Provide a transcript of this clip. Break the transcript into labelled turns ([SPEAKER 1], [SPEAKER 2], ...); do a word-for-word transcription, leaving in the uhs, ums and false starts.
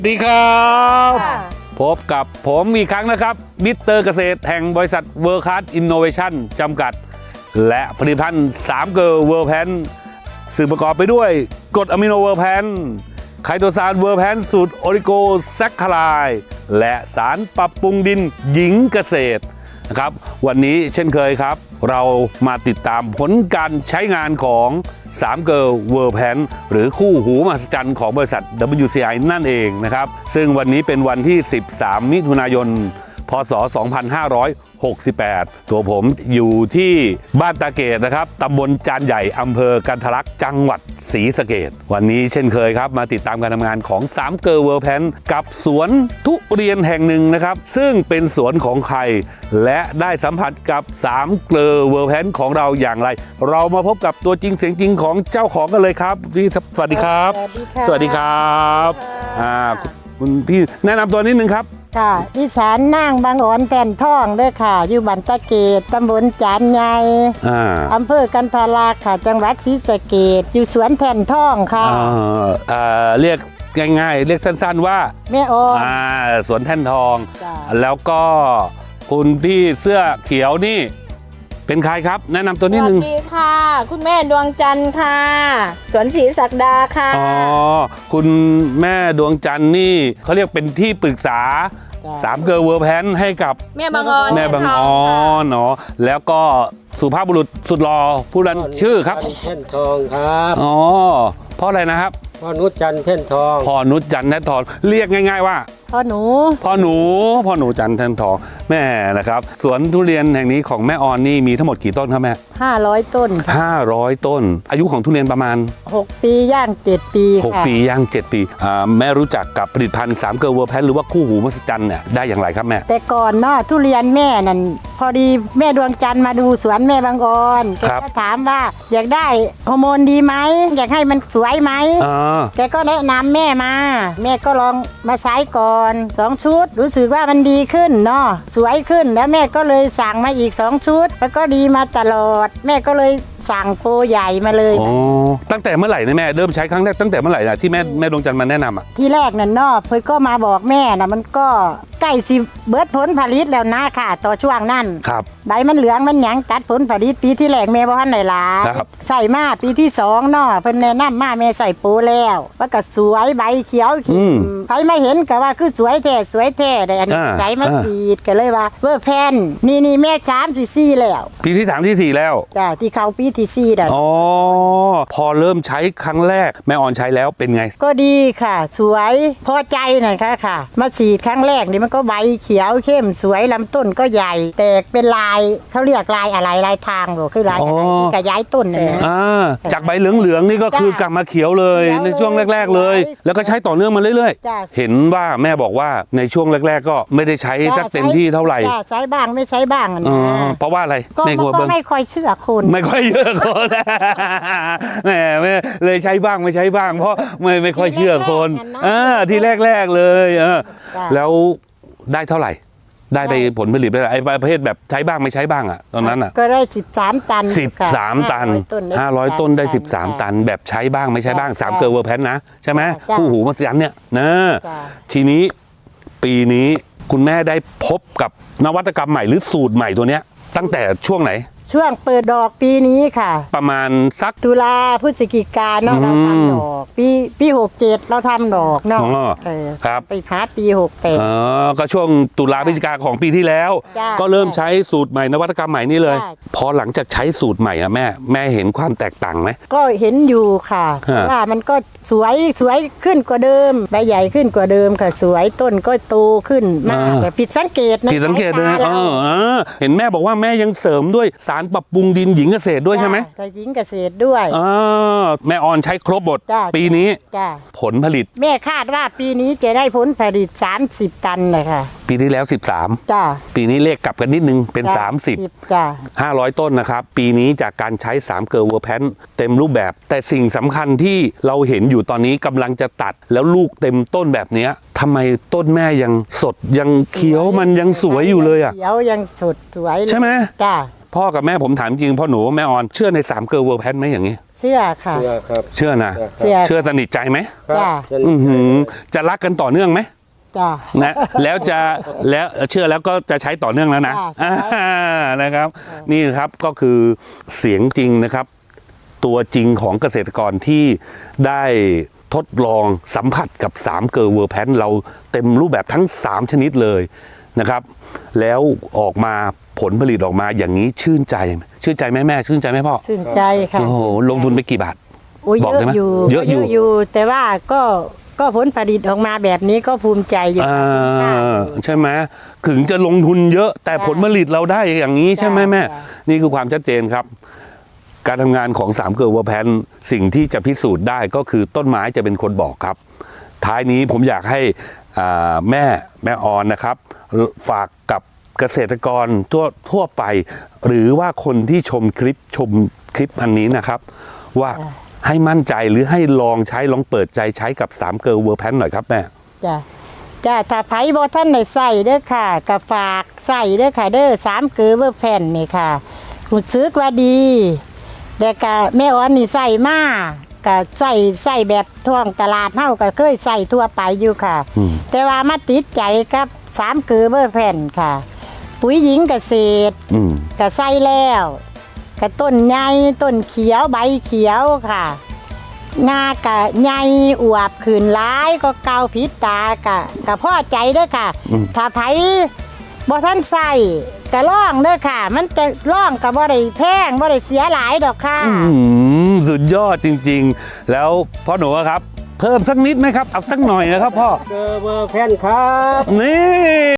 [SPEAKER 1] สวัสดีครับพบกับผมอีกครั้งนะครับมิสเตอร์เกษตรแห่งบริษัทเวิร์คคลาสอินโนเวชั่นจำกัดและผลิตภัณฑ์สามเกอร์เวิร์แพนซึ่งประกอบไปด้วยกรดอะมิโนเวิร์แพนไคโตซานเวิร์แพนสูตรโอริโกแซคคาไลและสารปรับปรุงดินหญิงเกษตรนะครับวันนี้เช่นเคยครับเรามาติดตามผลการใช้งานของสามเกอร์เวิร์แพนหรือคู่หูมหัศจรรย์ของบริษัท ดับเบิลยู ซี ไอ นั่นเองนะครับซึ่งวันนี้เป็นวันที่สิบสามมิถุนายนพ.ศ. สองพันห้าร้อยหกสิบแปดตัวผมอยู่ที่บ้านตาเกตนะครับตำบลจานใหญ่อำเภอกันทะลักจังหวัดศรีสะเกษวันนี้เช่นเคยครับมาติดตามการทำงานของสามเกอร์เวิร์แพนกับสวนทุเรียนแห่งหนึ่งนะครับซึ่งเป็นสวนของใครและได้สัมผัสกับสามเกอร์เวิร์แพนของเราอย่างไรเรามาพบกับตัวจริงเสียงจริงของเจ้าของกันเลยครับสวัสดีครับสวัสดีครับอ่าคุณพี่แนะนำตัวนิดนึงครับ
[SPEAKER 2] ค่ะดิฉันนางบางอ่อนแก่นท่องด้วยค่ะอยู่บ้านตะเกตตำบลจานใหญ่อำเภอกันทะลักค่ะจังหวัดศรีสะเกษอยู่สวนแท่นท่องค่ะ
[SPEAKER 1] เรียกง่ายๆเรียกสั้นๆว่า
[SPEAKER 2] แม่ออน
[SPEAKER 1] สวนแท่นทองแล้วก็คุณพี่เสื้อเขียวนี่เป็นใครครับแนะนำตัวนิดนึง
[SPEAKER 3] สวัสดีค่ะคุณแม่ดวงจันทร์ค่ะสวนศรีศักดาค่ะ
[SPEAKER 1] อ๋อคุณแม่ดวงจันทร์นี่เขาเรียกเป็นที่ปรึกษาสามเกอร์เวิร์แพนให้กับ
[SPEAKER 3] แม่บางออน
[SPEAKER 1] แม่บางออนเนาะแล้วก็สุภาพบุรุษสุดหล่อผู้นั้นชื่อครับ
[SPEAKER 4] แท่นทองครับ
[SPEAKER 1] อ๋อเพราะอะไรนะครับ
[SPEAKER 4] พ่อนุชจันทร์แท่นทอง
[SPEAKER 1] พ่อนุชจันทร์แท่นทองเรียกง่ายๆว่า
[SPEAKER 2] พ่อหนู
[SPEAKER 1] พ่อหนูพ่อหนูจันทร์แท่นทองแม่นะครับสวนทุเรียนแห่งนี้ของแม่ออนนี่มีทั้งหมดกี่ต้นครับแม่
[SPEAKER 2] ห้าร้อยต้น
[SPEAKER 1] ห้าร้อยต้นอายุของทุเรียนประมาณ
[SPEAKER 2] หกปีย่างเจ็ดปี
[SPEAKER 1] หกปีย่างเจ็ดปีแม่รู้จักกับผลิตภัณฑ์สามเกอร์เวิร์แพนหรือว่าคู่หูมหัศจรรย์เนี่ยได้อย่างไรครับแม่
[SPEAKER 2] แต่ก่อนเนาะทุเรียนแม่นั่นพอดีแม่ดวงจันทร์มาดูสวนแม่บางออนแกก็ถามว่าอยากได้ฮอร์โมนดีไหมอยากให้มันสวยไหมแกก็แนะนำแม่มาแม่ก็ลองมาใช้ก่อนสองชุดรู้สึกว่ามันดีขึ้นเนาะสวยขึ้นแล้วแม่ก็เลยสั่งมาอีกสองชุดแล้วก็ดีมาตลอดแม่ก็เลยสั่งโปรใหญ่มาเลย
[SPEAKER 1] อ๋อตั้งแต่เมื่อไหร่นะแม่เริ่มใช้ครั้งแรกตั้งแต่เมื่อไหร่นะที่แม่แม่ดวงจันทร์มาแนะนำอ่ะ
[SPEAKER 2] ที่แรกนั่นเนาะเพิ่นก็มาบอกแม่นะมันก็ใกล้สิเบิดผลผลิตแล้วนะค่ะต่อช่วงนั้น
[SPEAKER 1] ครับ
[SPEAKER 2] ใบมันเหลืองมันหยังตัดผลผลิตปีที่แรกแม่บ่ทันได้หลายใส่มาปีที่สองเนาะเพิ่นแนะนำมาแม่ใส่โปรแล้วว่าก็สวยใบเขียวใครมาเห็นก็ว่าคือสวยแท้สวยแท้ได้อันนี้ใส่มาสีดก็เลยว่าเวอร์แพนนี่นี่แม่สามที่สี่แล้ว
[SPEAKER 1] ปีที่สามที่สี่แล้ว
[SPEAKER 2] จ้ะที่เข้าปีที่สี่ได้
[SPEAKER 1] อ๋อพอเริ่มใช้ครั้งแรกแม่ออนใช้แล้วเป็นไง
[SPEAKER 2] ก็ดีค่ะสวยพอใจน่ะค่ะค่ะมาฉีดครั้งแรกนี่มันก็ใบเขียวเข้มสวยลำต้นก็ใหญ่แตกเป็นลายเขาเรียกลายอะไรลายทางหรอคือลายอะไรที่กระย้ายต้นนั่นนะ
[SPEAKER 1] จากใบเหลืองๆนี่ก็คือกลับมาเขียวเลยในช่วงแรกๆเลยแล้วก็ใช้ต่อเนื่องมาเรื่อยๆเห็นว่าแม่บอกว่าในช่วงแรกๆก็ไม่ได้ใช้สักเต็มที่เท่าไหร่
[SPEAKER 2] ใช้บ้างไม่ใช้บ้างนะ
[SPEAKER 1] เพราะว่าอะไร
[SPEAKER 2] ก็ไม่ค่อยเชื่อคน
[SPEAKER 1] ไม่ค่อยเชื่อคนแหมไม่เลยใช้บ้างไม่ใช้บ้างเพราะไม่ไม่ค่อยเชื่อคนอ่าที่แรกๆเลยเออแล้วได้เท่าไหร่ได้ไปผลผลิตได้ไอ้ประเภทแบบใช้บ้างไม่ใช้บ้างอ่ะตอนนั้นอ่ะ
[SPEAKER 2] ก็ได้สิบสามตัน
[SPEAKER 1] สิบสามตันห้าร้อยต้นได้สิบสามตันแบบใช้บ้างไม่ใช้บ้างสามเกอร์เวิร์แพนนะใช่ไหมคู่หูมหัศจรรย์เนี่ยนะทีนี้ปีนี้คุณแม่ได้พบกับนวัตกรรมใหม่หรือสูตรใหม่ตัวเนี้ยตั้งแต่ช่วงไหน
[SPEAKER 2] ช่วงเปิดดอกปีนี้ค่ะ
[SPEAKER 1] ประมาณสัก
[SPEAKER 2] ตุลาพฤศจิกาเนาะเราทำดอกปีปีหกเจ็ดเราทำดอกเนาะ
[SPEAKER 1] ครับ
[SPEAKER 2] ไปพาร์ทปีหกแปด
[SPEAKER 1] อ๋อก็ช่วงตุลาพฤศจิกาของปีที่แล้วก็เริ่มใช้สูตรใหม่นวัตกรรมใหม่นี่เลยพอหลังจากใช้สูตรใหม่อะแม่แม่เห็นความแตกต่างไหม
[SPEAKER 2] ก็เห็นอยู่ค่ะว่ามันก็สวยสวยขึ้นกว่าเดิมใบใหญ่ขึ้นกว่าเดิมค่ะสวยต้นก็โตขึ้นมากแต่ผิดสังเกตนะ
[SPEAKER 1] ผิดสังเกตเลยเออเห็นแม่บอกว่าแม่ยังเสริมด้วยสารปรับปรุงดินหญิงเกษตรด้วยใช่ไหม
[SPEAKER 2] ใช่หญิงเกษตรด้วย
[SPEAKER 1] อ่าแม่ออนใช้ครบหมดปีนี้ผลผลิต
[SPEAKER 2] แม่คาดว่าปีนี้จะได้ผลผลิตสามสิบตันเลยค่ะ
[SPEAKER 1] ปีที่แล้วสิบสาม
[SPEAKER 2] จ้า
[SPEAKER 1] ปีนี้เลขกลับกันนิดนึงเป็นสามสิบ
[SPEAKER 2] จ้า
[SPEAKER 1] ห้าร้อยต้นนะครับปีนี้จากการใช้สามเกอร์เวิร์แพนเต็มรูปแบบแต่สิ่งสำคัญที่เราเห็นอยู่ตอนนี้กำลังจะตัดแล้วลูกเต็มต้นแบบนี้ทำไมต้นแม่ยังสดยังเขียวมันยังสวยอยู่เลยอ่ะ
[SPEAKER 2] เขียวยังสดสวย
[SPEAKER 1] ใช่ไหม
[SPEAKER 2] จ้า
[SPEAKER 1] พ่อกับแม่ผมถามจริงพ่อหนูแม่ออนเชื่อในสามเกอร์เวิร์แพนไหมอย่างนี้
[SPEAKER 2] เชื่อค่ะ
[SPEAKER 4] เชื่อครับ
[SPEAKER 1] เชื่อนะ
[SPEAKER 2] เชื่อ
[SPEAKER 1] เชื่อสนิทใจไหม
[SPEAKER 4] ครับ
[SPEAKER 2] จ้ะ
[SPEAKER 4] สนิท
[SPEAKER 1] อือ
[SPEAKER 4] ใจ
[SPEAKER 1] หือจะรักกันต่อเนื่องไหม
[SPEAKER 2] จ้ะ
[SPEAKER 1] นะแล้วจะแล้วเชื่อแล้วก็จะใช้ต่อเนื่องแล้วนะ
[SPEAKER 2] จ้ะใช่
[SPEAKER 1] อ่านะครับ นี่ครับก็คือเสียงจริงนะครับ ตัวจริงของเกษตรกรที่ได้ทดลองสัมผัสกับสามเกอร์เวอร์แพนเราเต็มรูปแบบทั้งสามชนิดเลยนะครับ แล้วออกมาผลผลิตออกมาอย่างนี้ชื่นใจชื่นใจไหมแม่ชื่นใจไหมพ่อ
[SPEAKER 2] ชื่นใจค่ะ
[SPEAKER 1] โอ้โหลงทุนไปกี่บาท
[SPEAKER 2] โอ้ย
[SPEAKER 1] บอ
[SPEAKER 2] เย
[SPEAKER 1] กได้
[SPEAKER 2] อะ
[SPEAKER 1] ไหม
[SPEAKER 2] อยู่
[SPEAKER 1] เยอะอยู่
[SPEAKER 2] อยู่ แต่ว่าก็ก็ผลผลิตออกมาแบบนี้ก็ภูมิใจอยู่
[SPEAKER 1] อ่า
[SPEAKER 2] ค่ะ
[SPEAKER 1] ใช่ไหมถึงจะลงทุนเยอะแต่ผลผลิตเราได้อย่างนี้ใช่ไหมแม่
[SPEAKER 2] ใช่
[SPEAKER 1] นี่คือความชัดเจนครับ การทำงานของสามเกอร์เวอร์แพนสิ่งที่จะพิสูจน์ได้ก็คือต้นไม้จะเป็นคนบอกครับ ท้ายนี้ผมอยากให้อ่าแม่แม่ออนนะครับ ฝากกับเกษตรกรทั่วทั่วไป หรือว่าคนที่ชมคลิปชมคลิปอันนี้นะครับ ว่าให้มั่นใจหรือให้ลองใช้ลองเปิดใจใช้กับสามเกอร์เวอร์แพนหน่อยครับแม่
[SPEAKER 2] จ้ะจ้ะถ้าไผบ่ท่านได้ใส่เด้อค่ะก็ฝากใส่เด้อค่ะเด้อสามเกลือเบอร์แผ่นนี่ค่ะรู้สึกว่าดีแต่ก็แม่อ้อนนี่ใส่มาก็ใส่ใส่แบบท่วงตลาดเฮาก็เคยใส่ทั่วไปอยู่ค่ะ
[SPEAKER 1] อืม
[SPEAKER 2] แต่ว่ามาติดใจกับสามเกลือเบอร์แผ่นค่ะ ปุ๋ยหญิงเกษตร
[SPEAKER 1] อืม
[SPEAKER 2] ก็ใส่แล้วก็ต้นใหญ่ต้นเขียวใบเขียวค่ะงากะใหญ่อวบขืนร้ายก็เกาพิษตากะกะพ่อใจเด้อค่ะ
[SPEAKER 1] อืม
[SPEAKER 2] ถ้าไผบ่ท่านใส่กะล่องเด้อค่ะ มันจะล่องกะบ่ได้แพงบ่ได้เสียหลายดอกค่ะ
[SPEAKER 1] อืมสุดยอดจริงๆ แล้วพ่อหนูอะครับ เพิ่มสักนิดไหมครับ เอาสักหน่อยนะครับพ่อ
[SPEAKER 4] เกอร์เวอร์แพนครับ
[SPEAKER 1] นี่